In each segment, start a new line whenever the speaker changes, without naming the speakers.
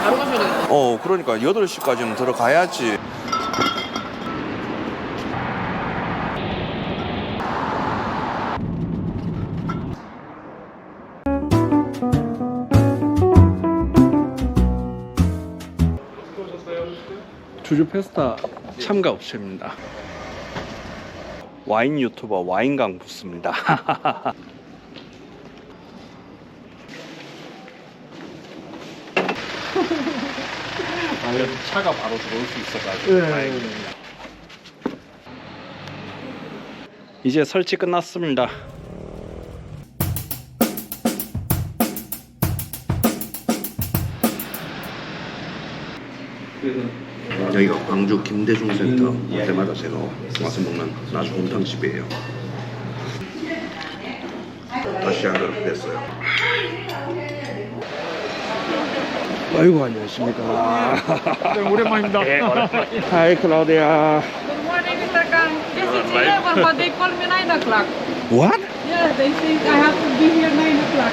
바로 가셔야 되겠다.
그러니까 8시까지는 들어가야지. 주주 페스타 참가 업체입니다. 와인 유튜버 와인강 부스입니다. 차가 바로 들어올 수 있어가지고 다행입니다. 이제 설치 끝났습니다. 여기가 광주 김대중 센터 때마다 제가 와서 먹는 아주 곰탕집이에요. 다시 한번 됐어요. 아이고 안녕하십니까.
네, 오랜만입니다.
네, 하이 클라우디아.
Good morning, Mr. Kang. This is 11, but they call me 9 o'clock.
What?
Yeah, they think I have to be here 9 o'clock.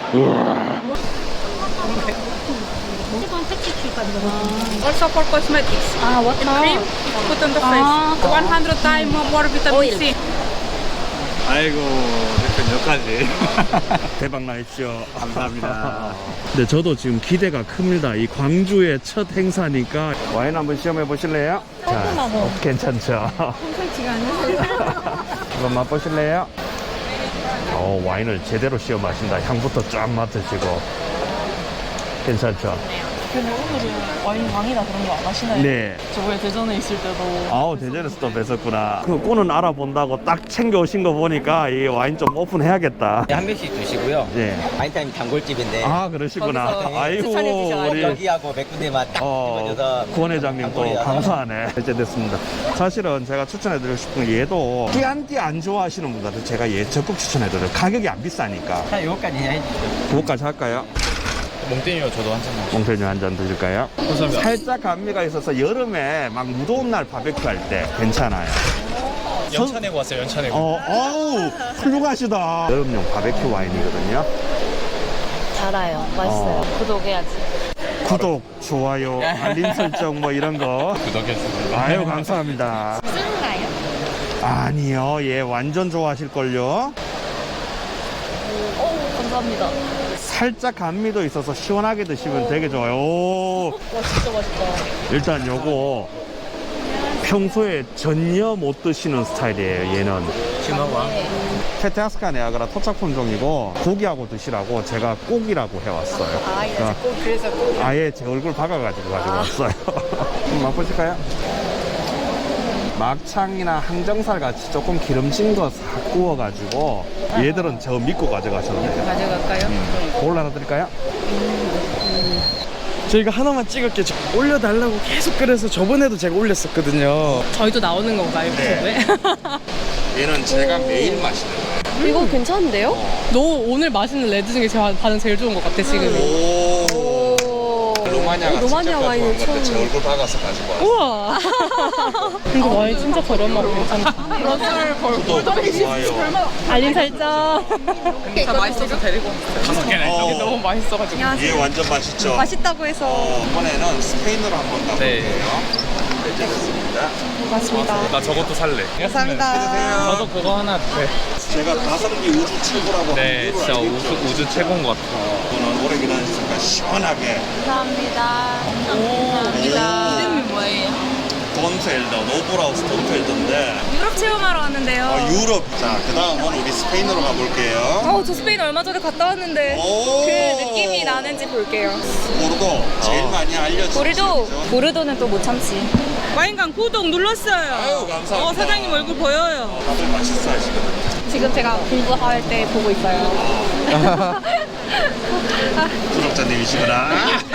Also for cosmetics.
what
Cream, put on the face. 100 times more vitamin C.
아이고, 대표님 여기까지.
대박 나십시오.
감사합니다.
근데 저도 지금 기대가 큽니다. 이 광주의 첫 행사니까 와인 한번 시험해 보실래요? 자, 괜찮죠?
솔직히 않으세요?
한번 맛보실래요? 와인을 제대로 시험하신다. 향부터 쫙 맡으시고 괜찮죠?
근데 오늘은 와인 왕이라 그런 거 안 하시나요?
네.
저번에 대전에 있을 때도
아우 대전에서 또 뵀었구나. 그 꾼은 알아본다고 딱 챙겨 오신 거 보니까 이 와인 좀 오픈해야겠다.
한 병씩 주시고요.
네.
와인타임 단골집인데
아 그러시구나.
거기서
아이고
추천해 주셔가지고.
우리
여기하고 몇 군데만 딱 집어줘서
구원 회장님 또
단골이라서.
감사하네. 이제 됐습니다. 사실은 제가 추천해드리고 싶은 게 얘도 끼안띠 안 좋아하시는 분들한테 제가 얘 적극 추천해드려요. 가격이 안 비싸니까.
자, 요거까지 해주세요.
그거까지 할까요?
몽땡이요, 저도 한 잔만.
몽테뉴 한 잔 드실까요?
감사합니다.
살짝 감미가 있어서 여름에 막 무더운 날 바베큐 할 때 괜찮아요.
연차 내고 왔어요, 연차 내고.
어우 훌륭하시다. 여름용 바베큐 와인이거든요.
달아요. 맛있어요. 구독해야지.
구독, 좋아요, 알림 설정 뭐 이런 거.
구독해주세요.
아유 감사합니다.
쓰는가요?
아니요, 얘 완전 좋아하실걸요.
감사합니다.
살짝 감미도 있어서 시원하게 드시면 되게 좋아요. 오,
와, 진짜 맛있다.
일단 요거 평소에 전혀 못 드시는 스타일이에요. 얘는
치마와.
페테아스카 네아그라 토착품종이고 고기하고 드시라고 제가 꼭이라고 해왔어요. 그러니까
그래서 꼭.
아예 제 얼굴 박아가지고 가지고 왔어요. 한번 맛보실까요? 막창이나 항정살 같이 조금 기름진 거 싹 구워가지고 얘들은 저 믿고 가져가셔도 돼요.
가져갈까요?
그걸 하나 드릴까요?
저희가 하나만 찍을게 올려달라고 계속 그래서 저번에도 제가 올렸었거든요.
저희도 나오는 건가요?
네. 얘는 제가 매일 마시는 거예요.
이거 괜찮은데요? 너 오늘 마시는 레드 중에 제가 반응 제일 좋은 것 같아, 지금.
오. 로마니아가
로마니아
직접
와인을
가져온 건데 제 얼굴 박아서 가지고 왔어요.
우와. 근데 와인 진짜 저렴하고 괜찮다.
구독, 좋아요.
알림 설정.
다 맛있어서 데리고 왔어요.
5개나
너무 맛있어가지고.
얘 완전 맛있죠?
맛있다고 해서.
이번에는 스페인으로 한번 가볼게요. 네, 됐습니다.
고맙습니다.
나 저것도 살래.
감사합니다.
저도 그거 하나. 네.
제가 가성비 우주 최고라고
네,
하는
진짜
이유를 알고
우주
있죠.
최고인 것 같아요.
저는 오래 기다렸으니까 시원하게
감사합니다. 감사합니다.
이름이 뭐예요?
돈펠더, 노브라우스 돈펠더인데
유럽 체험하러 왔는데요.
유럽. 자, 그 다음은 우리 스페인으로 가볼게요.
저 스페인 얼마 전에 갔다 왔는데
오.
그 느낌이 나는지 볼게요.
보르도 제일 많이 알려진
보르도.
지역이죠.
보르도는 또 못 참지.
와인강 구독 눌렀어요.
아유, 감사합니다.
사장님 얼굴 보여요.
다들 맛있어 하시거든요.
지금 제가 공부할 때 보고 있어요.
구독자님이시구나.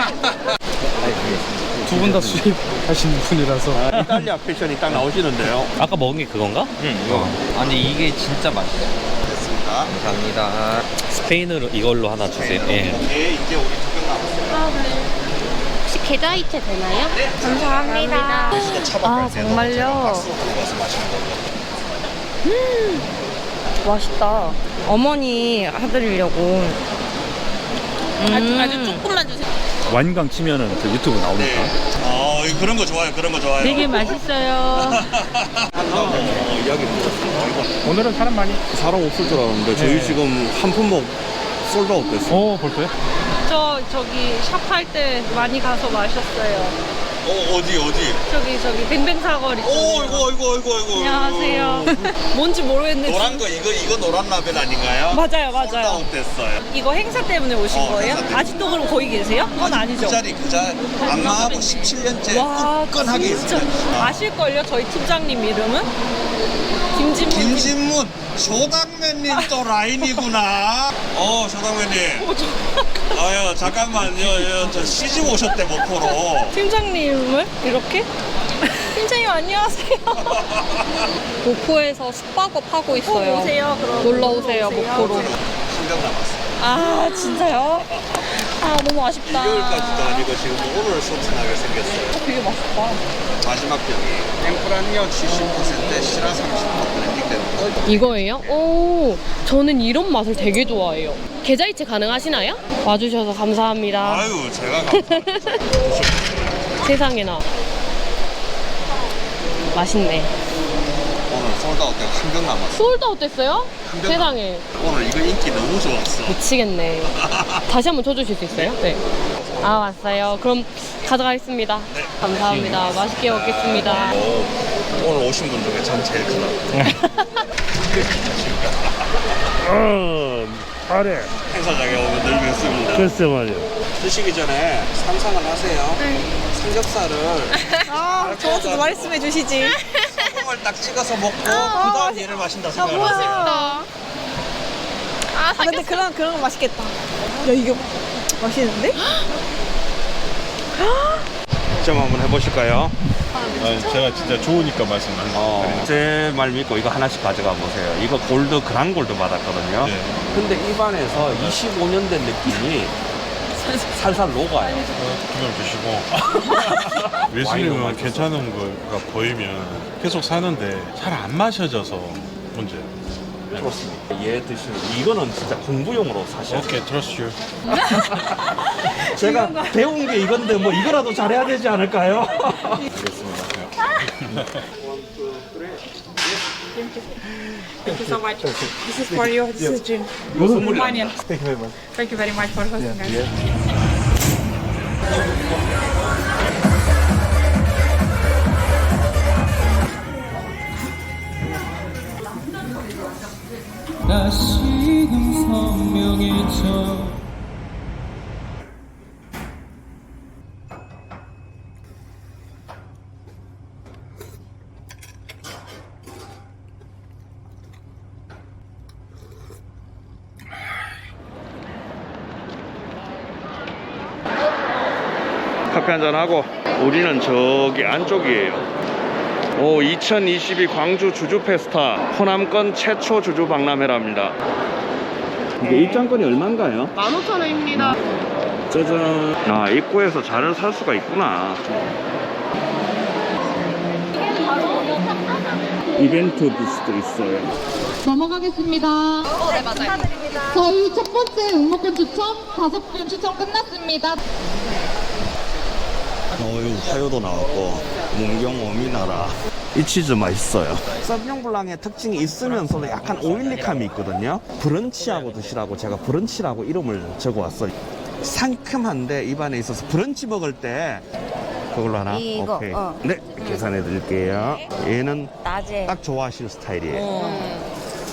두 분 다 수입하시는 분이라서.
이탈리아 패션이 딱 나오시는데요.
아까 먹은 게 그건가? 응, 이거. 아니, 이게 진짜 맛있어.
됐습니다.
감사합니다. 스페인으로 이걸로 하나 주세요. 예.
예, 이제 우리 두 명 남았어요.
혹시 계좌이체 되나요? 감사합니다.
아,
정말요? 맛있다. 어머니 해드리려고.
아주 조금만 주세요.
와인강 치면은 저 유튜브 나오니까.
그런 거 좋아요. 그런 거 좋아요.
되게 맛있어요.
이야기 들었어요.
오늘은 사람 많이.
사람 없을 줄 알았는데 저희 지금 한 품목 솔드아웃 됐어요.
벌써요?
저기 샵 할 때 많이 가서 마셨어요.
어디?
저기 뱅뱅 사거리.
아이고.
안녕하세요. 뭔지 모르겠는데.
노란 거 이거 노란 라벨 아닌가요?
맞아요.
솔드아웃 됐어요.
이거 행사 때문에 오신 거예요?
행사 때문에.
아직도 그럼 거기 계세요? 그건 아니죠.
그 자리 안마하고 17년째
와,
끈끈하게
진짜
있어요.
아실걸요? 저희 팀장님 이름은? 김진문.
김진문 조당면님 또 라인이구나. 조당면님. 아유 잠깐만요. 저 시집 오셨대 목포로.
팀장님을 이렇게? 팀장님 안녕하세요. 목포에서 숙박업 하고 있어요. 오세요. 그럼 놀러 오세요 목포로.
신경 남았어.
아 진짜요? 아 너무 아쉽다.
2개월까지도 아니고 지금 오늘 소진하게 생겼어요.
되게 맛있다.
마지막 병이 땡프란요 70%, 시라 30% 블렌딩 되는 거.
이거예요? 오, 저는 이런 맛을 되게 좋아해요. 계좌이체 가능하시나요? 와주셔서 감사합니다.
아유 제가 감사합니다.
세상에나. 맛있네.
오늘 솔드아웃 때가 한 병 남았어.
솔드아웃 됐어요?
병
세상에.
오늘 이거 인기 너무 좋았어.
미치겠네. 다시 한번 쳐주실 수 있어요? 네. 아, 왔어요. 그럼 가져가겠습니다. 감사합니다. 맛있게 먹겠습니다.
오늘 오신 분 중에 전 제일 크다.
아래.
행사장에 오면 늘 뵙습니다.
글쎄 말이야.
드시기 전에 상상을 하세요. 삼겹살을
저한테도 말씀해 주시지.
소금을 딱 찍어서 먹고 그 다음 얘를 마신다 생각하세요.
근데 그런 거 맛있겠다. 야 이거 맛있는데?
좀 한번 해보실까요?
제가 진짜 좋으니까 말씀하세요.
제 말 믿고 이거 하나씩 가져가 보세요. 이거 골드, 그랑골드 받았거든요.
네.
근데 입안에서 25년 된 느낌이 살살 녹아요.
기념 주시고 예수님은 괜찮은 거가 보이면 계속 사는데 잘 안 마셔져서 문제.
좋습니다. 얘 드시는 이거는 진짜 공부용으로 사셔야 돼요.
오케이, trust you.
제가 배운 게 이건데 뭐 이거라도 잘해야 되지 않을까요?
Thank you so much. This is for you. This is gin. Romanian. Thank you very much. Thank you very much for hosting us.
다시금 선명해져
커피 한잔 하고 우리는 저기 안쪽이에요. 2022 광주 주주 페스타 호남권 최초 주주 박람회랍니다. 이게 입장권이 얼마인가요?
15,000원입니다.
짜잔. 아, 입구에서 잔을 살 수가 있구나. 이벤트 부스도 있어요.
넘어가겠습니다. 네, 맞아요. 저희 첫 번째 응모권 추첨 5분 추첨 끝났습니다.
화요도 나왔고 문경 오미나라. 이 치즈 맛있어요. 서비뇽 블랑의 특징이 있으면서도 약간 오일리함이 있거든요. 브런치하고 드시라고 제가 브런치라고 이름을 적어왔어요. 상큼한데 입안에 있어서 브런치 먹을 때 그걸로 하나?
이거,
오케이. 네, 계산해 드릴게요. 얘는
낮에
딱 좋아하실 스타일이에요.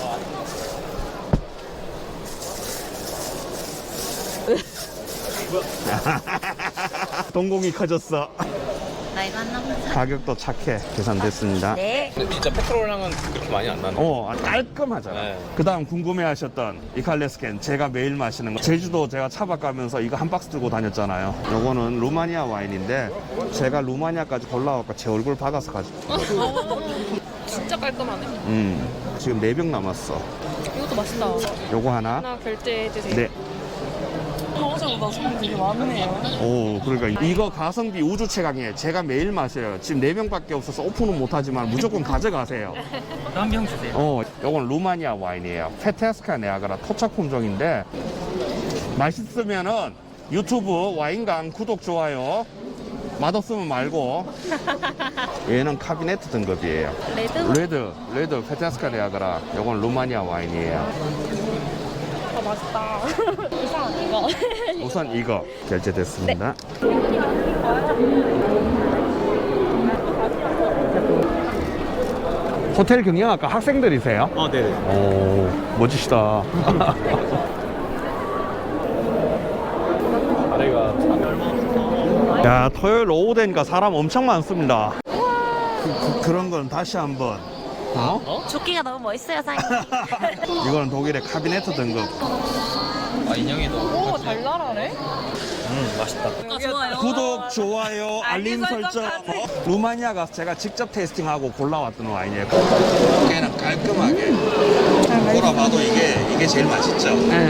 동공이 커졌어.
나이가 안 남은
가격도 착해. 계산됐습니다.
네.
근데 진짜 페트롤랑은 그렇게 많이 안 나네.
깔끔하잖아.
네.
그 다음 궁금해하셨던 이칼레스캔 제가 매일 마시는 거. 제주도 제가 차박 가면서 이거 한 박스 들고 다녔잖아요. 요거는 루마니아 와인인데 제가 루마니아까지 골라와서 제 얼굴 박아서 가지고.
진짜 깔끔하네.
지금 4병 남았어.
이것도 맛있다.
요거 하나.
하나 결제해주세요.
네.
어제보다 손이 되게 많네요.
그러니까 이거 가성비 우주 최강이에요. 제가 매일 마셔요. 지금 4병밖에 없어서 오픈은 못하지만 무조건 가져가세요.
한 병 주세요.
요건 루마니아 와인이에요. 페테스카 네아가라 토착 품종인데 맛있으면은 유튜브 와인강 구독, 좋아요. 맛없으면 말고. 얘는 카비네트 등급이에요. 레드 페테스카 데아그라. 요건 루마니아 와인이에요.
아, 맛있다. 우선 이거.
우선 이거 결제됐습니다. 호텔 경영학과 학생들이세요?
네.
오, 멋지시다. 야, 토요일 오후 되니까 사람 엄청 많습니다. 그런 건 다시 한번.
조끼가 너무 멋있어요, 사장님.
이거는 독일의 카비네트 등급.
아, 인형이도.
오, 달달하네.
맛있다.
좋아요.
구독, 좋아요, 알림 설정. 루마니아 가서 제가 직접 테이스팅하고 골라왔던 와인이에요. 걔는 깔끔하게. 돌아봐도 이게 제일 맛있죠.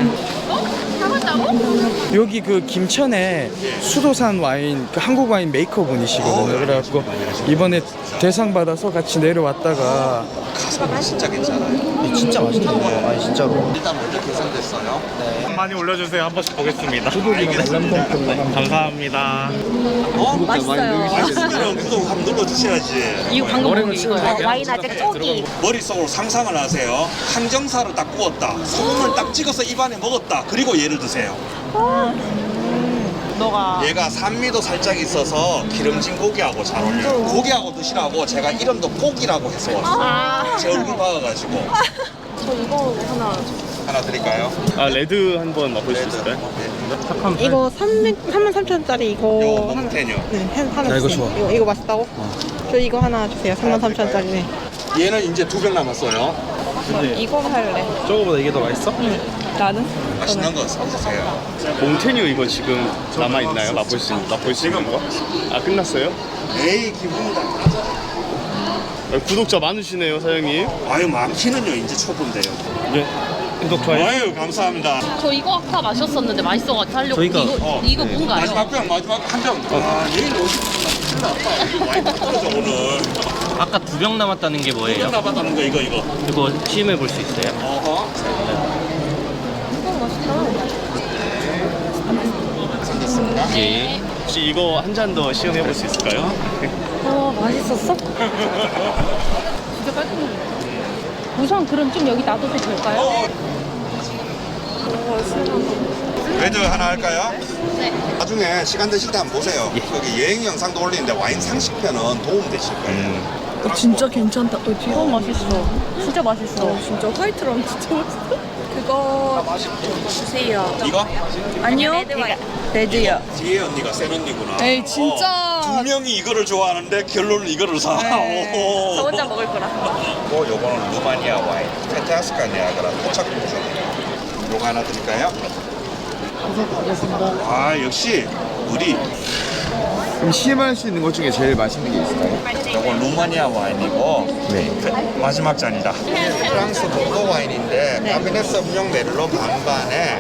여기 그 김천에 수도산 와인, 그 한국 와인 메이커 분이시거든요. 그래갖고 이번에 대상 받아서 같이 내려왔다가
가성비 진짜 괜찮아요.
진짜 맛있네요. 아니 진짜로.
일단 먼저 계산됐어요.
많이 올려주세요. 한 번씩 보겠습니다. 감사합니다.
맛있으면 구독 한번 눌러주셔야지.
이거 방금 먹은 이거예요.
와인 아직 쪼기.
머릿속으로 상상을 하세요. 항정살을 딱 구웠다. 소금을 딱 찍어서 입안에 먹었다. 그리고 얘를 드세요. 얘가 산미도 살짝 있어서 기름진 고기하고 잘 어울려요. 고기하고 드시라고 제가 이름도 고기라고 해서 왔어요. 제 얼굴 박아가지고.
저 이거 하나
드릴까요?
아, 레드 한번 맛볼 수 있을까요?
이거 33,000원짜리 이거
요거
하나.
몽테뉴.
네, 하나
나 이거
주세요.
좋아.
이거 맛있다고? 저 이거 하나 주세요. 33,000원짜리. 네.
얘는 이제 2병 남았어요.
이거 할래.
저거보다 이게 더 맛있어?
나는?
맛있는 거 사주세요.
몽테뉴 이거 지금 남아있나요? 맛볼 수 있는 거? 아, 끝났어요?
에이, 기분이다.
아, 구독자 많으시네요, 사장님.
아유, 많기는요. 이제 초보인데요.
네. 구독, 좋아요.
아유, 감사합니다.
저 이거 아까 마셨었는데 맛있어가지고 하려고. 이거 뭔가요?
마지막 병, 마지막 한 병. 아, 내일 오시면 큰일 났다. 와인 떨어져, 오늘.
아까 2병 남았다는 게 뭐예요?
나봤다는 거, 이거.
이거 시음해 볼 수 있어요?
어허.
예.
혹시 이거 한 잔 더 시음해 볼 수 있을까요?
맛있었어? 진짜 깔끔해. 우선 그럼 좀 여기 놔둬도 될까요?
레드 하나 할까요? 네. 나중에 시간 되실 때 한번 보세요. 여기 여행 영상도 올리는데 와인 상식편은 도움 되실 거예요.
진짜 괜찮다. 너무 맛있어. 진짜 맛있어. 진짜 화이트랑 진짜 맛있어. 그거 주세요.
이거?
아니요. 레드요.
뒤에 언니가 센 언니구나.
에이, 진짜.
두 명이 이거를 좋아하는데 결론은 이거를 사. 오.
저 혼자 먹을 거라.
요거는 루마니아 와인. 페테스카 네아그라 토착 도전이에요. 요거 하나 드릴까요? 아, 역시 우리.
그럼 시음할 수 있는 것 중에 제일 맛있는 게 있을까요?
요건 루마니아 와인이고
네.
마지막 잔이다. 프랑스 보도 와인인데 카비넷 섬뇽 메를로 반반에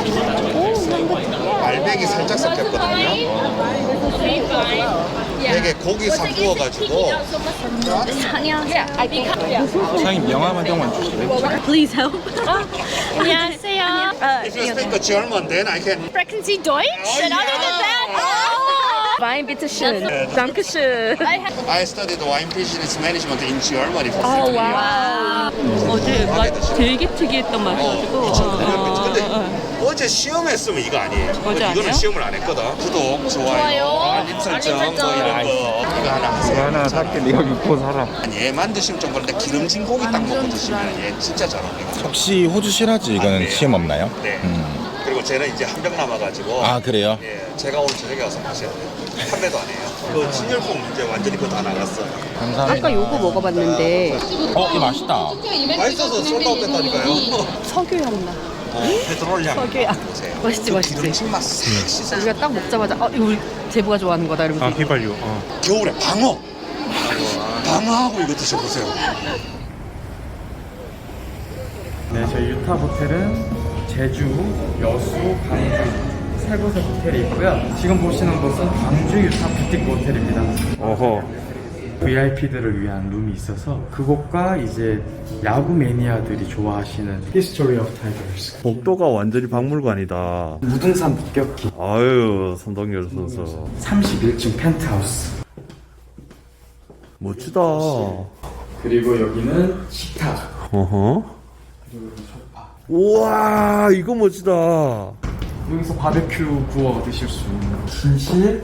알백이 살짝 섞였거든요. 되게 고기 싹 구워가지고.
사장님 명함 한 병만 주실래요?
Please help. 안녕하세요.
If you speak German, then I can.
Sprechen Sie Deutsch? And other than that, Wein bitte schön. Dankeschön.
I studied wine business management in Germany for 3
아,
years.
와. 어제 맛 되게 특이했던 맛이가지고.
2009년부터. 근데 어제 시험했으면 이거 아니에요.
어제
이거는
아니에요?
시험을 안 했거든. 구독, 좋아요, 알림 설정, 뭐 이런 거. 이거 하나 하세요.
하나 살게. 네가 믿고 살아.
아니, 얘만 드시면 좀 그런데 기름진 고기 딱 먹고 드시면 얘 진짜 잘 어울려요.
혹시 호주 시라즈 이거는
네.
시험 없나요?
네. 그리고 쟤는 이제 한 병 남아가지고.
아 그래요?
예, 제가 오늘 저녁에 와서 마셔야 돼요. 판매도 안 해요. 그 진열품 이제 완전히 그거 다 나갔어요.
감사합니다.
아까 요거 먹어봤는데
이거 맛있다.
맛있어서 솔드아웃 됐다니까요.
석유향 나.
페트롤 향.
석유향.
보세요.
맛있지,
그
맛있지.
기름진 맛 싹 씻어.
우리가 딱 먹자마자 이거 우리 제부가 좋아하는 거다 이러면서.
아, 휘발유.
겨울에 방어. 방어하고 이거 드셔보세요.
네, 저희 유타 호텔은 제주, 여수, 광주 세 곳의 호텔이 있고요. 지금 보시는 곳은 광주 유타 부티크 호텔입니다.
어허.
VIP들을 위한 룸이 있어서 그곳과 이제 야구 매니아들이 좋아하시는 History of Tigers.
복도가 완전히 박물관이다.
무등산 폭격기.
아유, 선동열 선수.
31층 펜트하우스.
멋지다.
그리고 여기는 식탁.
어허.
그리고 여기 소파.
우와, 이거 멋지다.
여기서 바베큐 구워 드실 수 있는 침실.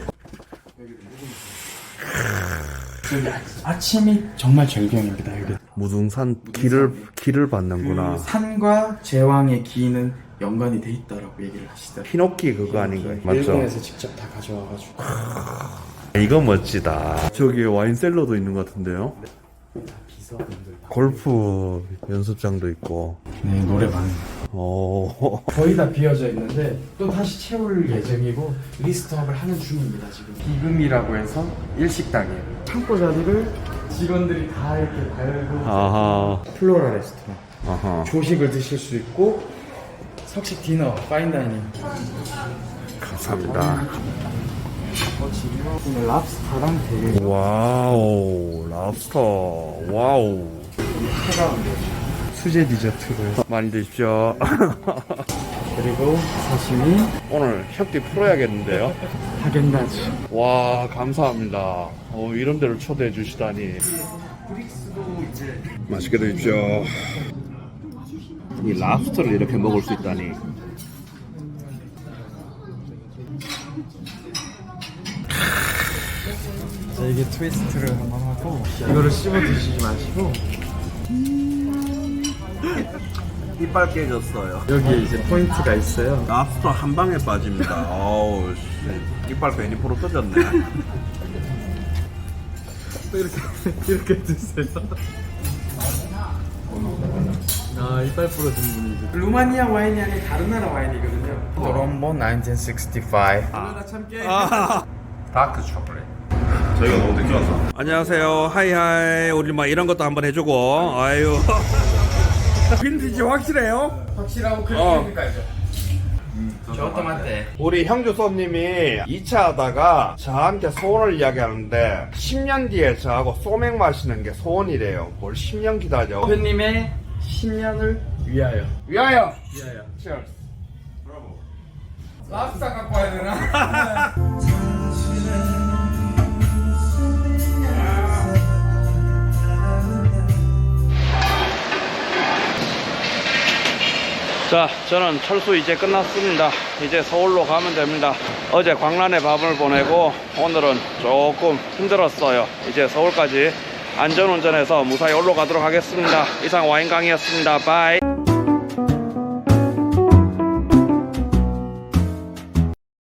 여기 아침이 정말 절경입니다. 여기
무등산 길을 받는구나.
그 산과 제왕의 기는 연관이 돼 있다라고 얘기를 하시더라고요.
피노키 그거 아닌가요? 맞죠?
일본에서 직접 다 가져와가지고.
이거 멋지다. 저기 와인셀러도 있는 것 같은데요?
비서분들.
골프 연습장도 있고.
네, 노래방.
오.
거의 다 비어져 있는데 또 다시 채울 예정이고 리스트업을 하는 중입니다. 지금 비금이라고 해서 일식당이에요. 창고 자리를 직원들이 다 이렇게 달고.
아하.
플로라 레스토랑.
아하.
조식을 드실 수 있고 석식 디너, 파인다이닝.
감사합니다.
오늘 랍스타랑 되게
와우, 랍스터. 와우.
차가운데 수제 디저트를
많이 드십시오.
그리고 사시미,
오늘 협디 풀어야겠는데요?
하겐다즈.
와, 감사합니다. 이런 데를 초대해 주시다니.
브릭스도 이제
맛있게 드십시오. 이 랍스터를 이렇게 먹을 수 있다니.
자, 이게 트위스트를 한번 하고 이거를 씹어 드시지 마시고
이빨 깨졌어요.
여기에 이제 포인트가 있어요.
랍스터 한 방에 빠집니다. 어우, 씨. 이빨 괜히 부러뜨졌네.
이렇게 드세요. 아, 이빨 부러진 분이죠. 루마니아 와인이 아니라 다른 나라 와인이거든요. 트롬보 1965. 누나 참깨. 다크 초콜릿.
저희가 너무 늦게 와서. 안녕하세요. 하이하이. 우리 막 이런 것도 한번 해주고. 아유. 빈티지 확실해요?
확실하고 그렇게까지죠. 저것도 맞대.
우리 형주 손님이 2차 하다가 저한테 소원을 이야기하는데 10년 뒤에 저하고 소맥 마시는 게 소원이래요. 뭘 10년 기다려.
대표님의 10년을 위하여.
위하여.
위하여.
Cheers.
랍스타 갖고 와야 되나?
자, 저는 철수 이제 끝났습니다. 이제 서울로 가면 됩니다. 어제 광란에 밤을 보내고 오늘은 조금 힘들었어요. 이제 서울까지 안전운전해서 무사히 올라가도록 하겠습니다. 이상 와인강이었습니다. 바이.